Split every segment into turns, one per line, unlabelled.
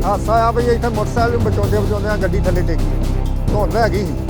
ਹਾਦਸਾ ਆ ਵੀ ਇੱਥੇ ਮੋਟਰਸਾਈਕਲ ਨੂੰ ਬਚਾਉਂਦੇ ਗੱਡੀ ਥੱਲੇ ਡਿੱਗੀ ਧੁੰਦ ਹੈਗੀ ਸੀ।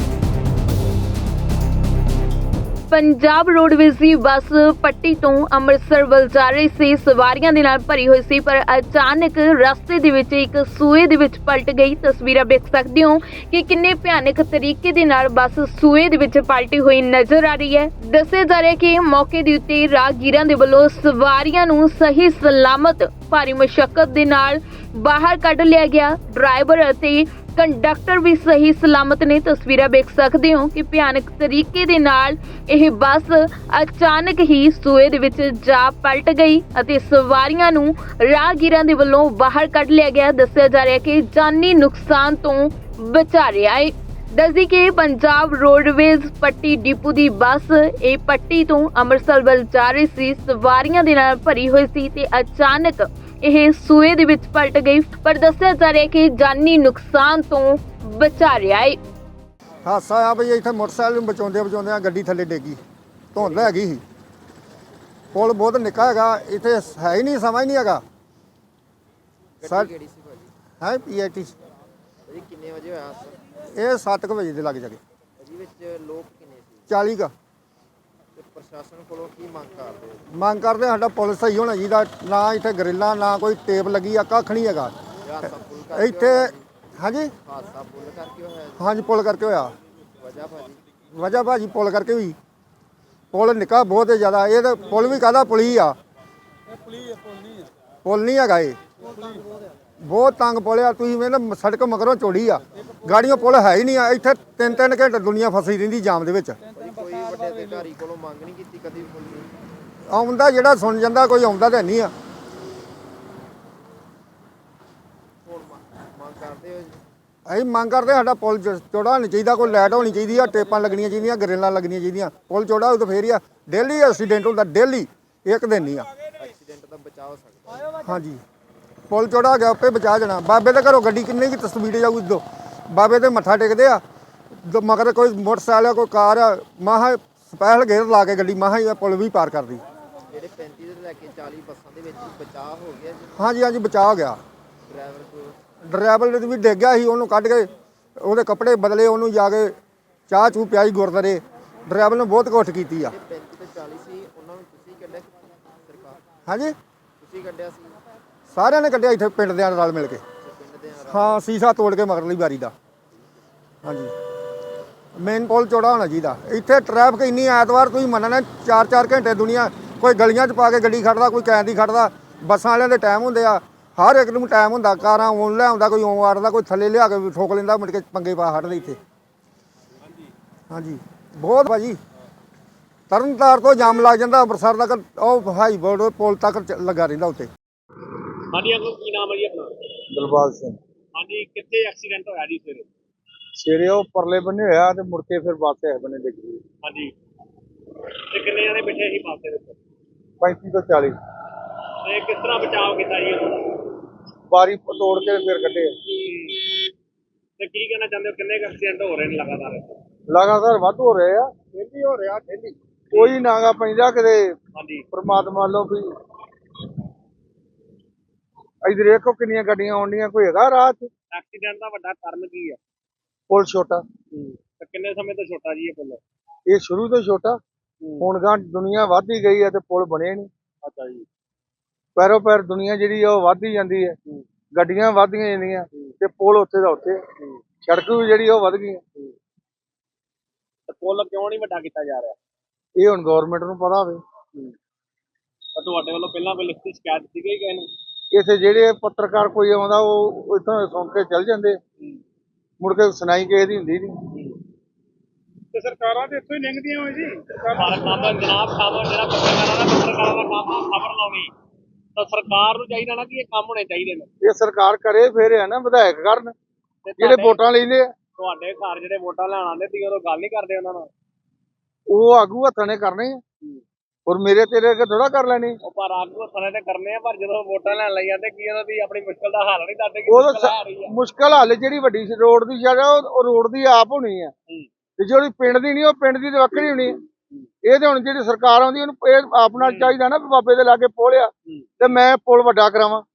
ਪੰਜਾਬ ਰੋਡਵੇਜ਼ ਦੀ ਬੱਸ ਪੱਟੀ ਤੋਂ ਅੰਮ੍ਰਿਤਸਰ ਵੱਲ ਜਾ ਰਹੀ ਸੀ। ਸਵਾਰੀਆਂ ਦੇ ਨਾਲ ਭਰੀ ਹੋਈ ਸੀ, ਪਰ ਅਚਾਨਕ ਰਸਤੇ ਦੇ ਵਿੱਚ ਇੱਕ ਸੂਏ ਦੇ ਵਿੱਚ ਪਲਟ ਗਈ। ਤਸਵੀਰਾਂ ਵੇਖ ਸਕਦੇ ਹੋ ਕਿ ਕਿੰਨੇ ਭਿਆਨਕ ਤਰੀਕੇ ਦੇ ਨਾਲ ਬੱਸ ਸੂਏ ਦੇ ਵਿੱਚ ਪਲਟੀ ਹੋਈ ਨਜ਼ਰ ਆ ਰਹੀ ਹੈ। ਦੱਸਿਆ ਜਾ ਰਿਹਾ ਕਿ ਮੌਕੇ ਦੇ ਉੱਤੇ ਰਾਹਗੀਰਾਂ ਦੇ ਵੱਲੋਂ ਸਵਾਰੀਆਂ ਨੂੰ ਸਹੀ ਸਲਾਮਤ ਭਾਰੀ ਮੁਸ਼ੱਕਤ ਦੇ ਨਾਲ ਬਾਹਰ ਕੱਢ ਲਿਆ ਗਿਆ। ਡਰਾਈਵਰ ਅਤੇ ਕੰਡਕਟਰ ਵੀ ਸਹੀ ਸਲਾਮਤ ਨੇ। ਤਸਵੀਰਾਂ ਵੇਖ ਸਕਦੇ ਹੋ ਕਿ ਭਿਆਨਕ ਤਰੀਕੇ ਦੇ ਨਾਲ ਇਹ ਬੱਸ ਅਚਾਨਕ ਹੀ ਸੂਏ ਦੇ ਵਿੱਚ ਜਾ ਪਲਟ ਗਈ ਅਤੇ ਸਵਾਰੀਆਂ ਨੂੰ ਰਾਹਗੀਰਾਂ ਦੇ ਵੱਲੋਂ ਬਾਹਰ ਕੱਢ ਲਿਆ ਗਿਆ। ਦੱਸਿਆ ਜਾ ਰਿਹਾ ਕਿ ਜਾਨੀ ਨੁਕਸਾਨ ਤੋਂ ਬਚਾ ਰਿਹਾ ਹੈ। ਦੱਸਦੀ ਕਿ ਪੰਜਾਬ ਰੋਡਵੇਜ਼ ਪੱਟੀ ਡਿਪੂ ਦੀ ਬੱਸ ਇਹ ਪੱਟੀ ਤੋਂ ਅੰਮ੍ਰਿਤਸਰ ਵੱਲ ਜਾ ਰਹੀ ਸੀ। ਸਵਾਰੀਆਂ ਦੇ ਨਾਲ ਭਰੀ ਹੋਈ ਸੀ ਤੇ ਅਚਾਨਕ ਇਹ ਸੂਏ ਦੇ ਵਿੱਚ ਪਲਟ ਗਈ, ਪਰ ਦੱਸਿਆ ਜਾ ਰਿਹਾ ਕਿ ਜਾਨੀ ਨੁਕਸਾਨ ਤੋਂ ਬਚਾ ਰਿਹਾ ਹੈ।
ਹਾਦਸਾ ਆ ਵੀ ਇੱਥੇ ਮੋਟਰਸਾਈਕਲ ਨੂੰ ਬਚਾਉਂਦੇ ਗੱਡੀ ਥੱਲੇ ਡਿੱਗੀ ਧੁੰਦ ਹੈਗੀ ਸੀ। ਪੁਲ ਬਹੁਤ ਨਿੱਕਾ ਹੈਗਾ, ਇੱਥੇ ਹੈ ਹੀ ਨਹੀਂ, ਸਮਾਂ ਹੀ ਨਹੀਂ ਹੈਗਾ।
ਗੱਡੀ ਕਿਹੜੀ ਸੀ ਭਾਜੀ?
ਹੈ ਪੀਆਈਟੀ
ਭਾਜੀ ਕਿੰਨੇ ਵਜੇ ਹੋਇਆ ਹਾਦਸਾ?
ਇਹ 7 ਵਜੇ ਦੇ ਲੱਗ ਜਾਗੇ।
ਭਾਜੀ ਵਿੱਚ ਲੋਕ ਕਿੰਨੇ ਸੀ
40 ਕਾ
ਤੇ ਪ੍ਰਸ਼ਾਸਨ ਕੋਲੋਂ ਕੀ ਮੰਗ ਕਰਦੇ ਹੋ?
ਮੰਗ ਕਰਦੇ ਸਾਡਾ ਪੁਲ ਸਹੀ ਹੋਣਾ ਚਾਹੀਦਾ। ਨਾ ਇੱਥੇ ਗਰਿੱਲਾਂ, ਨਾ ਕੋਈ ਟੇਪ ਲੱਗੀ ਆ, ਕੱਖ ਨਹੀਂ ਹੈਗਾ
ਇਹ ਹਾਦਸਾ ਪੁੱਲ ਕਰਕੇ
ਇੱਥੇ।
ਹੋਇਆ ਜੀ?
ਹਾਂਜੀ
ਹਾਦਸਾ ਪੁੱਲ ਕਰਕੇ ਹੋਇਆ ਜੀ?
ਹਾਂਜੀ ਪੁਲ ਕਰਕੇ ਹੋਇਆ।
ਵਜ੍ਹਾ ਭਾਜੀ?
ਵਜ੍ਹਾ ਭਾਜੀ ਪੁਲ ਕਰਕੇ ਹੋਈ। ਪੁਲ ਨਿੱਕਾ ਬਹੁਤ ਜ਼ਿਆਦਾ। ਇਹ ਤਾਂ ਪੁਲ ਵੀ ਕਾਹਦਾ ਪੁਲੀ ਆ, ਪੁਲ ਨਹੀਂ ਹੈਗਾ। ਇਹ ਬਹੁਤ ਤੰਗ ਪੁਲ ਆ। ਤੁਸੀਂ ਵੇਖ ਸੜਕ ਮਗਰੋਂ ਚੌੜੀ ਆ, ਗਾੜੀਆਂ ਪੁਲ ਹੈ ਹੀ ਨਹੀਂ ਆ। ਇੱਥੇ 3-3 ਘੰਟੇ ਦੁਨੀਆ ਫਸੀ ਰਹਿੰਦੀ ਜਾਮ ਦੇ ਵਿੱਚ।
ਭਾਜੀ ਕੋਈ ਵੱਡੇ ਅਧਿਕਾਰੀ ਕੋਲੋਂ ਮੰਗ ਨਹੀਂ ਕੀਤੀ ਕਦੀ ਪੁੱਲ ਦੀ?
ਆਉਂਦਾ ਜਿਹੜਾ ਸੁਣ ਜਾਂਦਾ, ਕੋਈ ਆਉਂਦਾ ਤਾਂ ਨਹੀਂ ਆ।
ਹੁਣ ਮੰਗ ਕਰਦੇ ਹੋ ਜੀ?
ਅਸੀਂ ਮੰਗ ਕਰਦੇ ਸਾਡਾ ਪੁਲ ਚੌੜਾ ਹੋਣਾ ਚਾਹੀਦਾ, ਕੋਈ ਲਾਈਟ ਹੋਣੀ ਚਾਹੀਦੀ ਆ, ਟੇਪਾਂ ਲੱਗਣੀਆਂ ਚਾਹੀਦੀਆਂ, ਗਰਿੱਲਾਂ ਲੱਗਣੀਆਂ ਚਾਹੀਦੀਆਂ। ਪੁਲ ਚੌੜਾ ਹੋਊ ਤਾਂ ਫੇਰ ਹੀ ਆ। ਡੇਲੀ ਐਕਸੀਡੈਂਟ ਹੁੰਦਾ, ਡੇਲੀ, ਇੱਕ ਦਿਨ ਨਹੀਂ ਆ।
ਐਕਸੀਡੈਂਟ ਦਾ ਬਚਾਅ ਹੋ ਸਕਦਾ?
ਹਾਂਜੀ ਪੁਲ ਚੌੜਾ ਹੋ ਗਿਆ, ਆਪੇ ਬਚਾ ਜਾਣਾ। ਬਾਬੇ ਦੇ ਘਰੋਂ ਗੱਡੀ ਕਿੰਨੇ ਕੀ ਤਸਵੀਰ ਜਾਊਗੀ ਦੋ ਬਾਬੇ ਤੇ ਮੱਥਾ ਟੇਕਦੇ ਆ, ਮਗਰ ਕੋਈ ਮੋਟਰਸਾਈਕਲ ਆ, ਕੋਈ ਕਾਰ ਆ, ਮਾਹਾ ਸਪੈਸ਼ਲ ਗੇਅਰ ਲਾ ਕੇ ਗੱਡੀ ਮਾਹਾ ਹੀ ਪੁਲ ਵੀ ਪਾਰ ਕਰਦੀ।
ਜਿਹੜੇ 35 ਤੋਂ ਲੈ ਕੇ 40 ਬੱਸਾਂ ਦੇ ਵਿੱਚ ਬਚਾਅ ਹੋ ਗਿਆ ਜੀ?
ਹਾਂਜੀ ਹਾਂਜੀ ਬਚਾ ਹੋ ਗਿਆ।
ਡਰਾਈਵਰ ਕੋਲ
ਡਰਾਈਵਰ ਨੇ ਵੀ ਡਿੱਗ ਗਿਆ ਸੀ, ਉਹਨੂੰ ਕੱਢ ਕੇ ਉਹਦੇ ਕੱਪੜੇ ਬਦਲੇ, ਉਹਨੂੰ ਜਾ ਕੇ ਚਾਹ ਚੂਹ ਪਿਆਈ ਗੁਰਦਾਰੇ। ਡਰਾਈਵਰ ਨੇ ਬਹੁਤ ਕੋਸ਼ਿਸ਼ ਕੀਤੀ ਆ।
35 ਤੋਂ 40 ਸੀ, ਉਹਨਾਂ ਨੂੰ ਤੁਸੀਂ ਕੱਢਿਆ ਸਰਕਾਰ?
ਹਾਂਜੀ
ਤੁਸੀਂ ਕੱਢਿਆ ਸੀ?
ਸਾਰਿਆਂ ਨੇ ਕੱਢਿਆ ਇੱਥੇ ਪਿੰਡ ਦੇ ਨਾਲ ਮਿਲ ਕੇ।
ਪਿੰਡ ਦੇ
ਹਾਂ ਸੀਸਾ ਤੋੜ ਕੇ ਮਗਰਲੀ ਵਾਰੀ ਦਾ। ਹਾਂਜੀ ਮੇਨ ਪੁਲ ਚੌੜਾ ਹੋਣਾ ਚਾਹੀਦਾ। ਇੱਥੇ ਟ੍ਰੈਫਿਕ ਇੰਨੀ, ਐਤਵਾਰ ਤੁਸੀਂ ਮੰਨਣਾ 4-4 ਘੰਟੇ ਦੁਨੀਆ ਕੋਈ ਗਲੀਆਂ 'ਚ ਪਾ ਕੇ ਗੱਡੀ ਖੜਦਾ, ਕੋਈ ਕੈਨ ਦੀ ਖੜਦਾ। ਬੱਸਾਂ ਵਾਲਿਆਂ ਦੇ ਟਾਈਮ ਹੁੰਦੇ ਆ, ਹਰ ਇੱਕ ਨੂੰ ਟਾਈਮ ਹੁੰਦਾ। ਕਾਰਾਂ ਆਉਣ ਲੈ ਆਉਂਦਾ, ਕੋਈ ਆਉਂ ਆੜਦਾ, ਕੋਈ ਥੱਲੇ ਲਿਆ ਕੇ ਠੋਕ ਲੈਂਦਾ, ਮੁੜ ਕੇ ਪੰਗੇ ਪਾ ਹਟਦੇ ਇੱਥੇ। ਹਾਂਜੀ ਬਹੁਤ ਭਾਜੀ ਤਰਨਤਾਰਨ ਤੋਂ ਜਾਮ ਲੱਗ ਜਾਂਦਾ ਅੰਮ੍ਰਿਤਸਰ ਤੱਕ, ਉਹ ਹਾਈ ਬੋਰਡ ਪੁਲ ਤੱਕ ਲੱਗਾ ਰਹਿੰਦਾ ਉੱਤੇ।
ਹਾਂਜੀ ਅੰਕਲ ਕੀ ਨਾਮ ਹੈ ਜੀ ਆਪਣਾ?
ਦਿਲਬਾਗ ਸਿੰਘ।
ਹਾਂਜੀ ਕਿੱਥੇ ਐਕਸੀਡੈਂਟ ਹੋਇਆ ਜੀ ਸਵੇਰੇ?
ਸਵੇਰੇ ਉਹ ਪਰਲੇ ਬੰਨੇ ਹੋਇਆ ਤੇ ਮੁੜ ਕੇ ਫਿਰ ਬੱਸ ਇਸ ਬੰਨੇ ਡਿੱਗ ਗਈ।
ਹਾਂਜੀ ਤੇ ਕਿੰਨੇ ਜਣੇ ਬੈਠੇ ਸੀ ਬੱਸ ਦੇ ਵਿੱਚ?
35 ਤੋਂ 40
ਤੇ ਕਿਸ ਤਰ੍ਹਾਂ ਬਚਾਅ ਕੀਤਾ ਜੀ ਉਹਦਾ?
ਬਾਰੀ ਤੋੜ ਕੇ ਫਿਰ ਕੱਢੇ।
ਤੇ ਕੀ ਕਹਿਣਾ ਚਾਹੁੰਦੇ ਹੋ, ਕਿੰਨੇ ਐਕਸੀਡੈਂਟ ਹੋ ਰਹੇ ਨੇ ਲਗਾਤਾਰ?
ਲਗਾਤਾਰ ਵੱਧ ਹੋ ਰਹੇ ਆ,
ਡੇਲੀ ਹੋ ਰਿਹਾ, ਡੇਲੀ।
ਕੋਈ ਨਾਗਾ ਪੈਂਦਾ ਕਿਤੇ।
ਹਾਂਜੀ
ਪਰਮਾਤਮਾ ਵੱਲੋਂ ਵੀ ਇਧਰ ਦੇਖੋ ਕਿੰਨੀਆਂ ਗੱਡੀਆਂ ਆਉਂਦੀਆਂ, ਕੋਈ ਹੈਗਾ ਰਾਹ 'ਚ?
ਐਕਸੀਡੈਂਟ ਦਾ ਵੱਡਾ ਕਾਰਨ ਕੀ ਹੈ?
ਪੁਲ ਛੋਟਾ।
ਤੇ ਕਿੰਨੇ ਸਮੇਂ ਤੋਂ ਛੋਟਾ ਜੀ ਇਹ ਪੁੱਲ?
ਇਹ ਸ਼ੁਰੂ ਤੋਂ ਛੋਟਾ, ਹੁਣ ਗਾਂ ਦੁਨੀਆ ਵੱਧ ਹੀ ਗਈ ਹੈ ਤੇ ਪੁਲ ਬਣੇ ਨਹੀਂ।
ਅੱਛਾ ਜੀ।
ਪੈਰੋ ਪੈਰ ਦੁਨੀਆ ਜਿਹੜੀ ਆ ਉਹ ਵੱਧ ਹੀ ਜਾਂਦੀ ਹੈ, ਗੱਡੀਆਂ ਵੱਧਦੀਆਂ ਜਾਂਦੀਆਂ ਤੇ ਪੁਲ ਉੱਥੇ ਦਾ ਉੱਥੇ। ਸੜਕ ਵੀ ਜਿਹੜੀ ਉਹ ਵੱਧ ਗਈ।
ਤੇ ਪੁੱਲ ਕਿਉਂ ਨਹੀਂ ਵੱਡਾ ਕੀਤਾ ਜਾ ਰਿਹਾ?
ਇਹ ਹੁਣ ਗਵਰਨਮੈਂਟ ਨੂੰ ਪਤਾ ਹੋਵੇ।
ਤਾਂ ਤੁਹਾਡੇ ਵੱਲੋਂ ਪਹਿਲਾਂ ਕੋਈ ਲਿਖਤੀ ਸ਼ਿਕਾਇਤ ਦਿੱਤੀ ਗਈ ਕਿਸੇ ਨੂੰ?
ਇੱਥੇ ਜਿਹੜੇ ਪੱਤਰਕਾਰ ਕੋਈ ਆਉਂਦਾ ਉਹ ਇੱਥੋਂ ਸੁਣ ਕੇ ਚੱਲ ਜਾਂਦੇ, ਮੁੜ ਕੇ ਸੁਣਾਈ ਕਿਸੇ ਦੀ ਹੁੰਦੀ ਨਹੀਂ।
ਤੇ ਸਰਕਾਰਾਂ ਤੇ ਇੱਥੋਂ ਹੀ ਲੰਘਦੀਆਂ ਹੋਏ ਜੀ। ਸਰਕਾਰ ਕੰਮ ਜਨਾਬ ਕੰਮ ਜਿਹੜਾ ਪੱਤਰਕਾਰਾਂ ਦਾ ਕੰਮ ਆ ਖਬਰ ਲਾਉਣੀ, ਤਾਂ ਸਰਕਾਰ ਨੂੰ ਚਾਹੀਦਾ ਨਾ ਕਿ ਇਹ ਕੰਮ ਹੋਣੇ ਚਾਹੀਦੇ ਨੇ।
ਇਹ ਸਰਕਾਰ ਕਰੇ ਫਿਰ ਹੈ ਨਾ, ਵਿਧਾਇਕ ਕਰਨ ਜਿਹੜੇ ਵੋਟਾਂ ਲੈਂਦੇ ਆ।
ਤੁਹਾਡੇ ਘਰ ਜਿਹੜੇ ਵੋਟਾਂ ਲੈਣ ਆਉਂਦੇ ਸੀ ਉਦੋਂ ਗੱਲ ਨਹੀਂ ਕਰਦੇ ਉਹਨਾਂ ਨਾਲ?
ਉਹ ਆਗੂ ਹੱਥਾਂ ਨੇ ਕਰਨੇ ਆ, ਔਰ ਮੇਰੇ ਤੇਰੇ ਅੱਗੇ ਥੋੜਾ ਕਰ ਲੈਣੀ।
ਉਹ ਪਰ ਆਗੂ ਹੱਥਾਂ ਨੇ ਕਰਨੇ ਆ, ਪਰ ਜਦੋਂ ਵੋਟਾਂ ਲੈਣ ਲਈ ਜਾਂਦੇ ਕੀ ਉਹਨਾਂ ਦੀ ਆਪਣੀ ਮੁਸ਼ਕਲ ਦਾ ਹੱਲ ਨਹੀਂ ਕਰਦੇ?
ਉਹ ਮੁਸ਼ਕਲ ਹੱਲ ਜਿਹੜੀ ਵੱਡੀ ਰੋਡ ਦੀ ਜਗ੍ਹਾ ਉਹ ਰੋਡ ਦੀ ਆਪ ਹੋਣੀ ਆ, ਤੇ ਜਿਹੜੀ ਪਿੰਡ ਦੀ ਨਹੀਂ ਉਹ ਪਿੰਡ ਦੀ ਤੇ ਵੱਖਰੀ ਹੋਣੀ ਆ। ਇਹ ਤੇ ਹੁਣ ਜਿਹੜੀ ਸਰਕਾਰ ਆਉਂਦੀ ਉਹਨੂੰ ਇਹ ਆਪਣਾ ਚਾਹੀਦਾ ਨਾ, ਬਾਬੇ ਦੇ ਲਾਗੇ ਪੁਲ ਆ ਤੇ ਮੈਂ ਪੁਲ ਵੱਡਾ ਕਰਾਵਾਂ।